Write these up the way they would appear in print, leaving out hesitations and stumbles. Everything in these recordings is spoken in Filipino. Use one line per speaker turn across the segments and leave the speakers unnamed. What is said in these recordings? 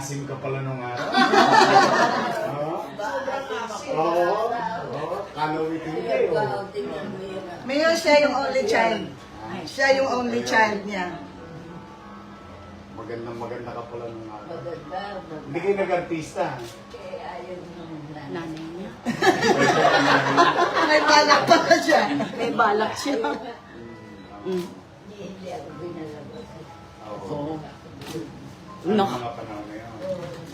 asim ka pala nung araw.
Sobrang asin.
Oo. Kalawitin kayo.
Mayor, siya yung only child. Siya yung only child niya.
Maganda ka pala nung araw. Hindi kayo nag-artista.
Nanay niya.
May balak pa siya.
May balak siya.
Hindi ako binalabas.
Oo.
No.
Ano mga panahon na yun?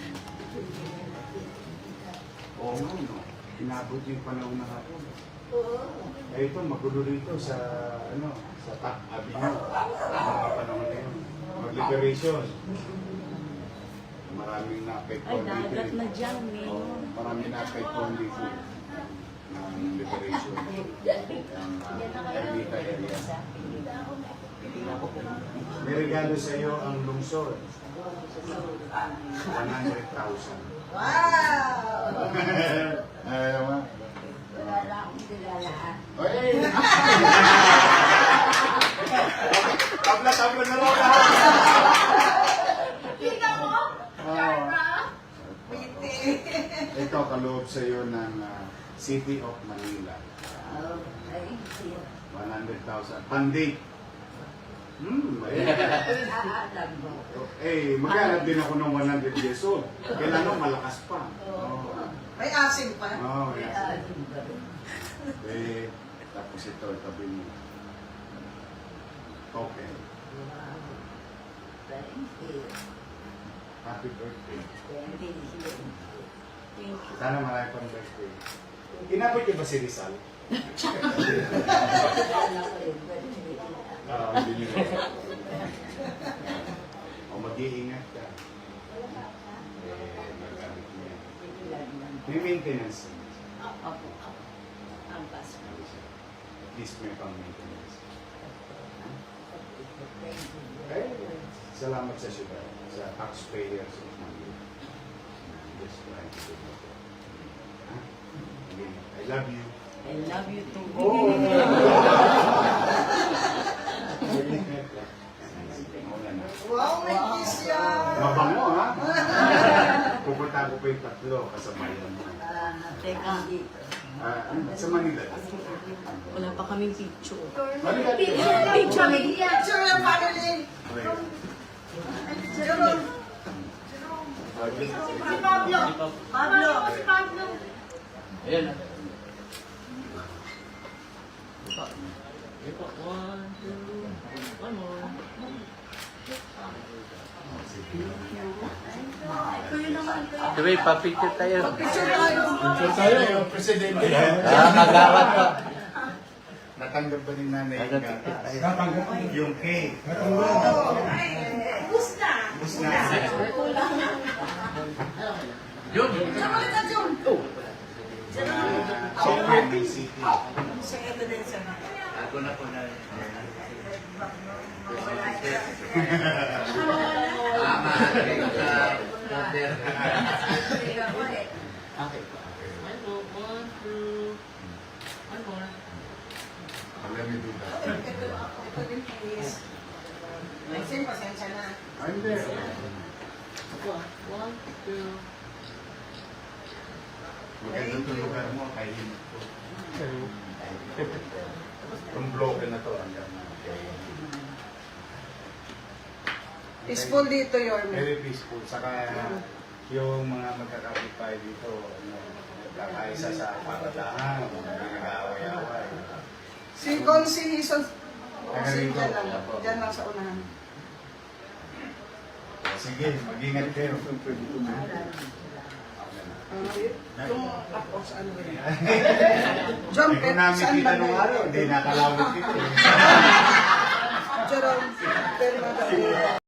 Oo nga, no? Inabot yung panahon na hapon. Eh ito, magulo rito sa, sa Abino. Mga panahon na yun. Mag-liberation. Maraming na-apekto
Ay, dagat na dyan,
Oo, maraming na-apekto dito ng liberation. Ng Ermita area. May regalo sa iyo ang lungsod. 100,000.
Wow!
Ayaw nga.
Wala na akong nilalaan.
Oy! Tabla-tabla na lang lahat!
Kita mo?
Ito kaloob sa iyo ng City of Manila.
Ay,
100,000. Pandi.
aalam mo.
Maghanap din ako ng 100 years old. Kailangan malakas pa.
May asim pa.
Yes.
Aalam ba?
Tapos ito, tabi mo. Okay.
Thank you.
Happy birthday.
Thank you.
Sana marami pang birthday. Inabot niyo ba si Rizal?
Wala ko yun.
Hindi niyo rin. O mag-iingat ka. Magamit niya. May maintenance.
Opo. Ang paso.
At least may pang-maintenance.
Thank you.
Salamat sa syudad, sa taxpayers of Manila. Just trying to do my job. Again, I love you.
I love you too.
Wow, may kiss yan.
Mabango, ha? Pupunta ko pa yung tatlo kasabayan mo.
Teka,
Sa Manila.
wala pa kaming picture.
Manila.
Picture me.
Picture ng family. Jerome.
Si Pablo. Pablo. Si Pablo.
Ayan na. Ito, 1, 2, one more. Diba, pa-picture tayo.
Picture tayo.
Picture tayo yung presidente.
Kagawat pa.
Natanggap ba ni nanay yung gatas?
Natanggap.
Yung cake.
Bus na.
Bus na.
Yun.
Sama kita, Jun.
Software ng city.
Sa evidence na.
Ako na po na. Tama. Okay. One more. One more.
Let me do that.
Maxine, pasensya na.
I'm there.
1, 2.
Maganda itong lugar mo, tahimik ko. Itong bloke na to, hanggang na.
Peaceful dito, Yorme.
Very peaceful. Saka yung mga magkakapitbahay dito, nagkakaisa sa paradahan, hindi nag-aaway-aaway.
Si Consi Hison. Consi dyan lang. Dyan lang sa unahan.
Sige, mag-ingat kayo.
Yung tapos ano yun. Jump,
Hindi ko namin
saan
kita
ba
nung araw, hindi nakalawit kita.
Jerome, pero madali.